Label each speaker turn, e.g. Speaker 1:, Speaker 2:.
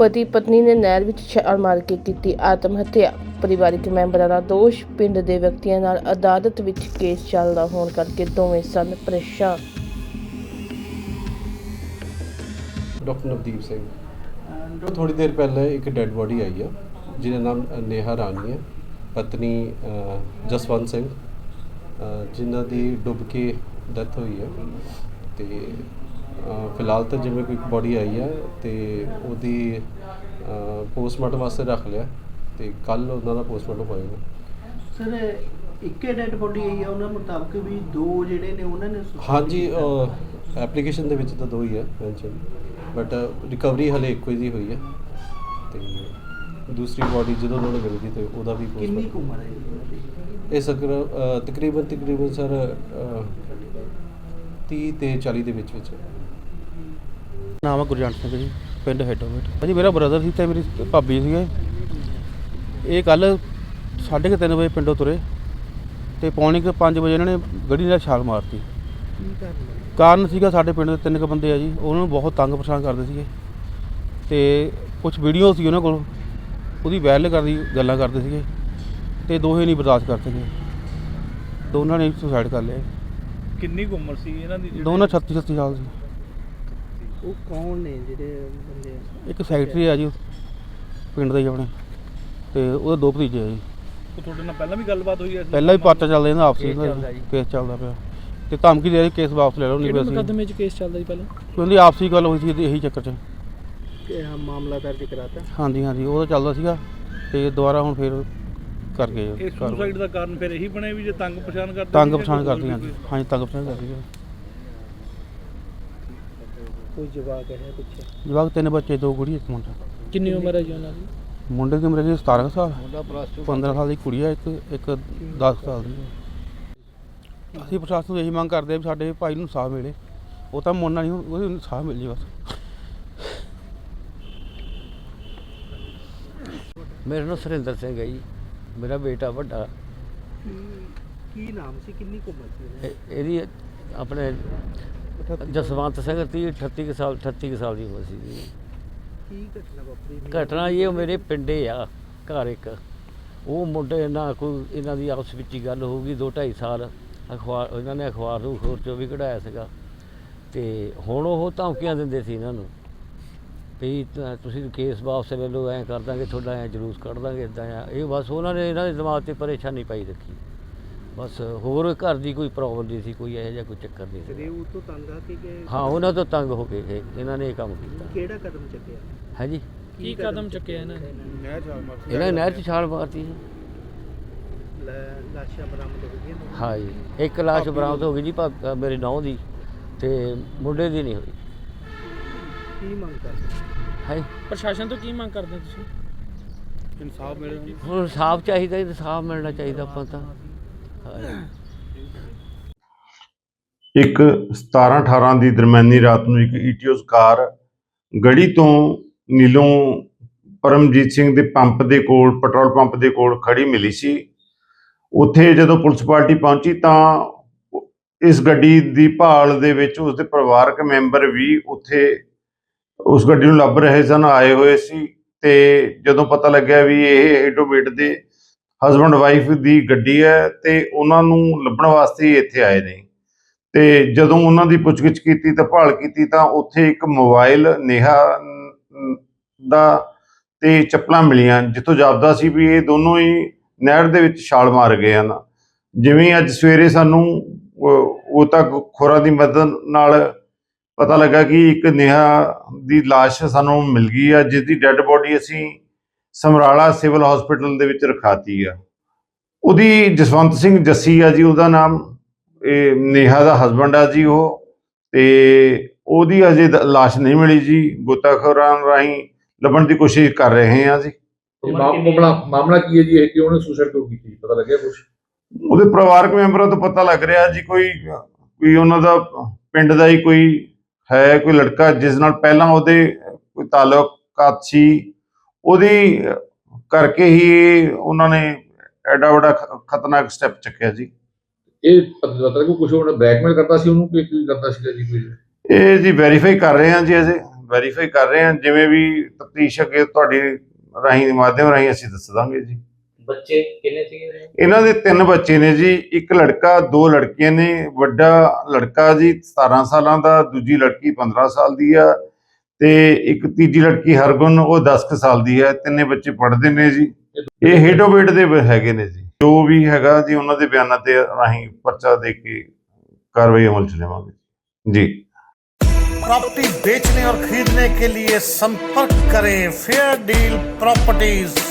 Speaker 1: ਪਤੀ ਪਤਨੀ ਨੇ ਨਹਿਰ ਵਿੱਚ ਛਾਲ ਮਾਰ ਕੇ ਕੀਤੀ ਆਤਮ ਹੱਤਿਆ। ਪਰਿਵਾਰਕ ਮੈਂਬਰਾਂ ਦਾ ਦੋਸ਼, ਪਿੰਡ ਦੇ ਵਿਅਕਤੀਆਂ ਨਾਲ ਅਦਾਲਤ ਵਿੱਚ ਕੇਸ ਚੱਲਦਾ ਹੋਣ ਕਰਕੇ ਦੋਵੇਂ ਸਨ ਪਰੇਸ਼ਾਨ।
Speaker 2: ਡਾਕਟਰ ਨਵਦੀਪ ਸਿੰਘ। ਥੋੜੀ ਦੇਰ ਪਹਿਲਾਂ ਇੱਕ ਡੈੱਡ ਬੋਡੀ ਆਈ ਆ ਜਿਹਦਾ ਨਾਮ ਨੇਹਾ ਰਾਣੀ ਹੈ, ਪਤਨੀ ਜਸਵੰਤ ਸਿੰਘ, ਜਿਨ੍ਹਾਂ ਦੀ ਡੁੱਬ ਕੇ ਡੈਥ ਹੋਈ ਹੈ। ਤੇ ਫਿਲਹਾਲ ਤਾਂ ਜਿਵੇਂ ਕੋਈ ਬੋਡੀ ਆਈ ਹੈ ਤੇ ਉਹਦੀ ਪੋਸਟਮਾਰਟਮ ਵਾਸਤੇ ਰੱਖ ਲਿਆ ਤੇ ਕੱਲ ਉਹਨਾਂ ਦਾ ਪੋਸਟਮਾਰਟਮ ਹੋਏਗਾ।
Speaker 3: ਸਰ, ਇੱਕੇ ਡੈਡ ਬੋਡੀ ਆਈ ਹੈ, ਉਹਨਾਂ ਮੁਤਾਬਕ ਵੀ ਦੋ ਜਿਹੜੇ ਨੇ ਉਹਨਾਂ ਨੇ
Speaker 2: ਹਾਂਜੀ, ਐਪਲੀਕੇਸ਼ਨ ਦੇ ਵਿੱਚ ਤਾਂ ਦੋ ਹੀ ਹੈ ਮੈਂਸ਼ਨ, ਬਟ ਰਿਕਵਰੀ ਹਲੇ ਇੱਕੋ ਹੀ ਹੋਈ ਹੈ। ਤੇ ਦੂਸਰੀ ਬੋਡੀ ਜਦੋਂ ਉਹਨਾਂ ਨੂੰ ਮਿਲਦੀ ਤੇ ਉਹਦਾ ਵੀ
Speaker 3: ਕਿੰਨੀ ਕੁ ਉਮਰ ਹੈ
Speaker 2: ਇਹ ਤਕਰੀਬਨ ਸਰ 30 ਤੇ 40 ਦੇ ਵਿੱਚ
Speaker 4: ਨਾਮ ਹੈ ਗੁਰਜੰਟ ਸਿੰਘ ਜੀ, ਪਿੰਡ ਹੈਡੋਵੇਟ। ਭਾਜੀ ਮੇਰਾ ਬ੍ਰਦਰ ਸੀ ਤੇ ਮੇਰੀ ਭਾਬੀ ਸੀਗੇ। ਇਹ ਕੱਲ੍ਹ 3:30 ਵਜੇ ਪਿੰਡੋਂ ਤੁਰੇ ਤੇ ਪੌਣੇ 5 ਵਜੇ ਇਹਨਾਂ ਨੇ ਗੱਡੀ ਨਾਲ ਛਾਲ ਮਾਰਤੀ। ਕਾਰਨ ਸੀਗਾ ਸਾਡੇ ਪਿੰਡ ਦੇ 3 ਬੰਦੇ ਆ ਜੀ, ਉਹਨਾਂ ਨੂੰ ਬਹੁਤ ਤੰਗ ਪਰੇਸ਼ਾਨ ਕਰਦੇ ਸੀਗੇ ਤੇ ਕੁਝ ਵੀਡੀਓ ਸੀ ਉਹਨਾਂ ਕੋਲ, ਉਹਦੀ ਵਾਇਰਲ ਕਰਦੀ ਗੱਲਾਂ ਕਰਦੇ ਸੀਗੇ ਤੇ ਦੋਹੇ ਨਹੀਂ ਬਰਦਾਸ਼ਤ ਕਰ ਸਕੇ, ਦੋਨਾਂ ਨੇ ਸੁਸਾਈਡ ਕਰ ਲਿਆ।
Speaker 5: ਕਿੰਨੀ ਕੁ ਉਮਰ ਸੀ ਇਹਨਾਂ ਦੀ?
Speaker 4: ਦੋਨਾਂ 36 ਸਾਲ ਸੀ।
Speaker 3: ਉਹ ਕੌਣ ਨੇ ਜਿਹੜੇ ਬੰਦੇ?
Speaker 4: ਇੱਕ ਸੈਕਟਰੀ ਆ ਜੀ ਪਿੰਡ ਦਾ ਹੀ ਆਪਣੇ, ਤੇ ਉਹਦੇ 2 ਭਤੀਜੇ ਆ ਜੀ।
Speaker 5: ਉਹ ਤੁਹਾਡੇ ਨਾਲ ਪਹਿਲਾਂ ਵੀ ਗੱਲਬਾਤ ਹੋਈ ਹੈ?
Speaker 4: ਪਹਿਲਾਂ ਵੀ ਪਰਚਾ ਚੱਲਦਾ ਇਹਨਾਂ ਆਪਸੀ ਕੇਸ ਚੱਲਦਾ ਪਿਆ ਤੇ ਧਮਕੀ ਦੇ ਰਹੀ ਕੇਸ ਵਾਪਸ ਲੈ ਲਓ, ਨਹੀਂ ਬਸ
Speaker 5: ਮੁਕੱਦਮੇ 'ਚ ਕੇਸ ਚੱਲਦਾ ਜੀ ਪਹਿਲਾਂ?
Speaker 4: ਕਿਉਂਕਿ ਆਪਸੀ ਗੱਲ ਹੋਈ ਸੀ ਇਹੀ ਚੱਕਰ 'ਚ।
Speaker 3: ਮਾਮਲਾ ਦਰਜ ਕਰਾਤਾ?
Speaker 4: ਹਾਂਜੀ ਉਹਦਾ ਚੱਲਦਾ ਸੀਗਾ ਤੇ ਦੁਬਾਰਾ ਹੁਣ ਫਿਰ ਕਰ ਗਏ।
Speaker 5: ਇਹ ਸੁਸਾਈਡ ਦਾ ਕਾਰਨ ਫਿਰ ਇਹੀ ਬਣਿਆ ਵੀ ਜੇ ਤੰਗ ਪਛਾਣ ਕਰਦੇ?
Speaker 4: ਤੰਗ ਪਛਾਣ ਕਰਦੀ ਹਾਂਜੀ ਤੰਗ ਪਛਾਣ ਕਰਦੀ।
Speaker 3: ਕੋਈ ਜਵਾਕ ਹੈ ਪਿੱਛੇ?
Speaker 4: ਜਵਾਕ 3 ਬੱਚੇ, 2 ਕੁੜੀ, 1 ਮੁੰਡਾ।
Speaker 5: ਕਿੰਨੀ ਉਮਰ ਹੈ ਜੀ ਉਹਨਾਂ ਦੀ?
Speaker 4: ਮੁੰਡੇ ਦੀ ਉਮਰ ਹੈ 17 ਸਾਲ, 15 ਸਾਲ ਦੀ ਕੁੜੀ ਹੈ, ਇੱਕ 10 ਸਾਲ ਦੀ। ਅਸੀਂ ਪ੍ਰਸ਼ਾਸਨ ਤੋਂ ਇਹੀ ਮੰਗ ਕਰਦੇ ਹਾਂ ਵੀ ਸਾਡੇ ਭਾਈ ਨੂੰ ਇਨਸਾਫ ਮਿਲੇ। ਉਹ ਤਾਂ ਮੁੰਡਾ ਨਹੀਂ, ਉਹਨੂੰ ਇਨਸਾਫ ਮਿਲ ਜੇ ਬਸ।
Speaker 6: ਮੇਰਾ ਨਾਮ ਸੁਰਿੰਦਰ ਸਿੰਘ ਹੈ ਜੀ, ਮੇਰਾ ਬੇਟਾ ਵੱਡਾ।
Speaker 3: ਕੀ ਨਾਮ ਸੀ, ਕਿੰਨੀ ਕੁ ਉਮਰ ਸੀ
Speaker 6: ਇਹਦੀ ਆਪਣੇ ਜਸਵੰਤ ਸਿੰਘ 38 ਕੁ ਸਾਲ ਦੀ ਉਮਰ ਸੀ ਜੀ।
Speaker 3: ਕੀ ਘਟਨਾ ਵਾਪਰੀ?
Speaker 6: ਘਟਨਾ ਇਹ ਮੇਰੇ ਪਿੰਡੇ ਆ ਘਰ ਇੱਕ, ਉਹ ਮੁੰਡੇ ਨਾਲ ਕੋਈ ਇਹਨਾਂ ਦੀ ਆਪਸ ਵਿੱਚ ਹੀ ਗੱਲ ਹੋਊਗੀ 2-2.5 ਸਾਲ। ਇਹਨਾਂ ਨੇ ਅਖਬਾਰ ਨੂੰ ਖੋਰ 'ਚੋਂ ਵੀ ਕਢਾਇਆ ਸੀਗਾ ਤੇ ਹੁਣ ਉਹ ਧਮਕੀਆਂ ਦਿੰਦੇ ਸੀ ਇਹਨਾਂ ਨੂੰ ਵੀ ਤੁਸੀਂ ਕੇਸ ਵਾਪਸ ਲੈ ਲਓ, ਐਂ ਕਰ ਦਾਂਗੇ ਤੁਹਾਡਾ, ਐਂ ਜਲੂਸ ਕੱਢ ਦਾਂਗੇ, ਇੱਦਾਂ ਆ। ਇਹ ਬਸ ਉਹਨਾਂ ਨੇ ਇਹਨਾਂ ਦੇ ਦਿਮਾਗ 'ਤੇ ਪਰੇਸ਼ਾਨੀ ਪਾਈ ਰੱਖੀ, ਬਸ ਹੋਰ ਘਰ ਦੀ ਕੋਈ ਪ੍ਰੋਬਲਮ ਨਹੀਂ ਸੀ, ਕੋਈ ਇਹੋ ਜਿਹਾ ਕੋਈ ਚੱਕਰ ਨਹੀਂ ਸੀ।
Speaker 3: ਉਹ ਤੋਂ ਤੰਗ ਆ ਕੇ
Speaker 6: ਹਾਂ, ਉਹਨਾਂ ਤੋਂ ਤੰਗ ਹੋ ਕੇ ਇਹਨਾਂ ਨੇ ਇਹ ਕੰਮ ਕੀਤਾ।
Speaker 3: ਕਿਹੜਾ ਕਦਮ ਚੱਕਿਆ
Speaker 6: ਹੈ ਜੀ?
Speaker 5: ਕੀ ਕਦਮ ਚੁੱਕਿਆ ਇਹਨਾਂ ਨੇ?
Speaker 6: ਇਹਨਾਂ ਨੇ ਨਹਿਰ 'ਚ ਛਾਲ ਮਾਰਤੀ ਜੀ।
Speaker 3: ਲਾਸ਼ਾਂ ਬਰਾਮਦ ਹੋ ਗਈਆਂ?
Speaker 6: ਹਾਂ ਜੀ, ਇੱਕ ਲਾਸ਼ ਬਰਾਮਦ ਹੋ ਗਈ ਜੀ, ਮੇਰੇ ਨੌਂ ਦੀ, ਤੇ ਮੁੰਡੇ ਦੀ ਨਹੀਂ ਹੋਈ।
Speaker 3: ਕੀ ਮੰਗ ਕਰਦੇ
Speaker 6: ਹੈ?
Speaker 5: ਪ੍ਰਸ਼ਾਸਨ ਤੋਂ ਕੀ ਮੰਗ ਕਰਦੇ ਤੁਸੀਂ?
Speaker 4: ਇਨਸਾਫ ਮਿਲੇ।
Speaker 6: ਹੁਣ ਇਨਸਾਫ ਚਾਹੀਦਾ, ਇਨਸਾਫ ਮਿਲਣਾ ਚਾਹੀਦਾ ਆਪਾਂ ਤਾਂ।
Speaker 7: ਇੱਕ 17-18 ਦੀ ਦਰਮਿਆਨੀ ਰਾਤ ਨੂੰ ਇੱਕ ਈਟੀਓਸ ਕਾਰ ਗੜੀ ਤੋਂ ਨੀਲੋਂ ਪਰਮਜੀਤ ਸਿੰਘ ਦੇ ਪੰਪ ਦੇ ਕੋਲ, ਪੈਟਰੋਲ ਪੰਪ ਦੇ ਕੋਲ ਖੜੀ ਮਿਲੀ ਸੀ। ਉੱਥੇ ਜਦੋਂ ਪੁਲਿਸ ਪਾਰਟੀ ਪਹੁੰਚੀ ਤਾਂ ਇਸ ਗੱਡੀ ਦੀ ਭਾਲ ਦੇ ਵਿੱਚ ਉਸਦੇ ਪਰਿਵਾਰਕ ਮੈਂਬਰ ਵੀ ਉੱਥੇ ਉਸ ਗੱਡੀ ਨੂੰ ਲੱਭ ਰਹੇ ਸਨ, ਆਏ ਹੋਏ ਸੀ। ਤੇ ਜਦੋਂ ਪਤਾ ਲੱਗਿਆ ਵੀ ਇਹ ਹੈਡੋਵੇਟ ਦੇ ਹਸਬੈਂਡ ਵਾਈਫ ਦੀ ਗੱਡੀ ਹੈ ਤੇ ਉਹਨਾਂ ਨੂੰ ਲੱਭਣ ਵਾਸਤੇ ਇੱਥੇ ਆਏ ਨੇ। ਤੇ ਜਦੋਂ ਉਹਨਾਂ ਦੀ ਪੁੱਛਗਿੱਛ ਕੀਤੀ ਤਾਂ ਭਾਲ ਕੀਤੀ ਤਾਂ ਉੱਥੇ ਇੱਕ ਮੋਬਾਈਲ ਨੇਹਾ ਦਾ ਤੇ ਚੱਪਲਾਂ ਮਿਲੀਆਂ, ਜਿੱਥੋਂ ਜਾਪਦਾ ਸੀ ਵੀ ਇਹ ਦੋਨੋਂ ਹੀ ਨਹਿਰ ਦੇ ਵਿੱਚ ਛਾਲ ਮਾਰ ਗਏ ਹਨ। ਜਿਵੇਂ ਅੱਜ ਸਵੇਰੇ ਸਾਨੂੰ ਉਹ ਤਾਂ ਖੋਰਾਂ ਦੀ ਮਦਦ ਨਾਲ ਪਤਾ ਲੱਗਾ ਕਿ ਇੱਕ ਨੇਹਾ ਦੀ ਲਾਸ਼ ਸਾਨੂੰ ਮਿਲ ਗਈ ਆ, ਜਿਸ ਦੀ ਡੈੱਡ ਬੋਡੀ ਅਸੀਂ ਸਮਰਾਲਾ ਸਿਵਲ ਹਸਪੀਟਲ ਦੇ ਵਿੱਚ ਰਖਾਤੀ ਆ। ਉਹਦੀ ਜਸਵੰਤ ਸਿੰਘ ਜੱਸੀ ਆ ਜੀ ਉਹਦਾ ਨਾਮ, ਇਹ ਨੇਹਾ ਦਾ ਹਸਬੈਂਡ ਆ ਜੀ ਉਹ। ਤੇ ਉਹਦੀ ਅਜੇ ਲਾਸ਼ ਨਹੀਂ ਮਿਲੀ ਜੀ, ਗੋਤਾਖੋਰਾਂ ਰਾਹੀਂ ਲੱਭਣ ਦੀ ਕੋਸ਼ਿਸ਼ ਕਰ ਰਹੇ ਹਾਂ ਜੀ।
Speaker 8: ਮਾਮਲਾ ਕੀ ਹੈ ਜੀ? ਇਹ ਕਿਉਂ ਉਹਨੇ ਸੁਸਾਈਡ ਕਿਉਂ ਕੀਤੀ, ਪਤਾ ਲੱਗਿਆ ਕੁਝ?
Speaker 7: ਉਹਦੇ ਪਰਿਵਾਰਕ ਮੈਂਬਰਾਂ ਤੋਂ ਪਤਾ ਲੱਗ ਰਿਹਾ ਜੀ ਕੋਈ ਉਹਨਾਂ ਦਾ ਪਿੰਡ ਦਾ ਹੀ ਕੋਈ ਹੈ, ਕੋਈ ਲੜਕਾ ਜਿਸ ਨਾਲ ਪਹਿਲਾਂ ਉਹਦੇ ਕੋਈ ਤਾਲੁਕਾਤ ਸੀ, ਉਹਦੀ ਕਰਕੇ ਹੀ ਉਹਨਾਂ ਨੇ ਐਡਾ ਵੱਡਾ ਖਤਰਨਾਕ ਸਟੈਪ ਚੱਕਿਆ ਜੀ।
Speaker 8: ਇਹ ਪਤਾ ਕੁਝ ਉਹਨੇ ਬਲੈਕਮੇਲ ਕਰਦਾ ਸੀ ਉਹਨੂੰ ਕਿ ਕੀ ਕਰਦਾ ਸੀਗਾ ਜੀ ਕੋਈ?
Speaker 7: ਇਹ ਜੀ ਵੈਰੀਫਾਈ ਕਰ ਰਹੇ ਹਾਂ ਜੀ, ਅਜੇ ਵੈਰੀਫਾਈ ਕਰ ਰਹੇ ਹਾਂ, ਜਿਵੇਂ ਵੀ ਤਫਤੀਸ਼ ਅੱਗੇ ਤੁਹਾਡੇ ਰਾਹੀਂ ਮਾਧਿਅਮ ਰਾਹੀਂ ਅਸੀਂ ਦੱਸ ਦਾਂਗੇ ਜੀ।
Speaker 9: ਬੱਚੇ ਕਿੰਨੇ ਸੀਗੇ?
Speaker 7: ਇਹਨਾਂ ਦੇ 3 ਬੱਚੇ ਨੇ ਜੀ, ਇੱਕ ਲੜਕਾ 2 ਲੜਕੀਆਂ ਨੇ। ਵੱਡਾ ਲੜਕਾ ਜੀ 17 ਸਾਲਾਂ ਦਾ, ਦੂਜੀ ਲੜਕੀ 15 ਸਾਲ ਦੀ ਆ ਤੇ ਇੱਕ ਤੀਜੀ ਲੜਕੀ ਹਰਗੁਣ ਉਹ 10 ਕੁ ਸਾਲ ਦੀ ਹੈ। ਤਿੰਨੇ ਬੱਚੇ ਪੜ੍ਹਦੇ ਨੇ ਜੀ। ਇਹ ਹੇਡੋਵੇਟ ਦੇ ਹੈਗੇ ਨੇ ਜੀ। ਜੋ ਵੀ ਹੈਗਾ ਜੀ ਉਹਨਾਂ ਦੇ ਬਿਆਨਾਂ ਤੇ ਰਾਹੀਂ ਪਰਚਾ ਦੇ ਕੇ कार्रवाई अमल ਚ लेवांगे जी।
Speaker 10: प्रॉपर्टी बेचने और खरीदने के लिए संपर्क करें फेयर डील प्रॉपर्टीज।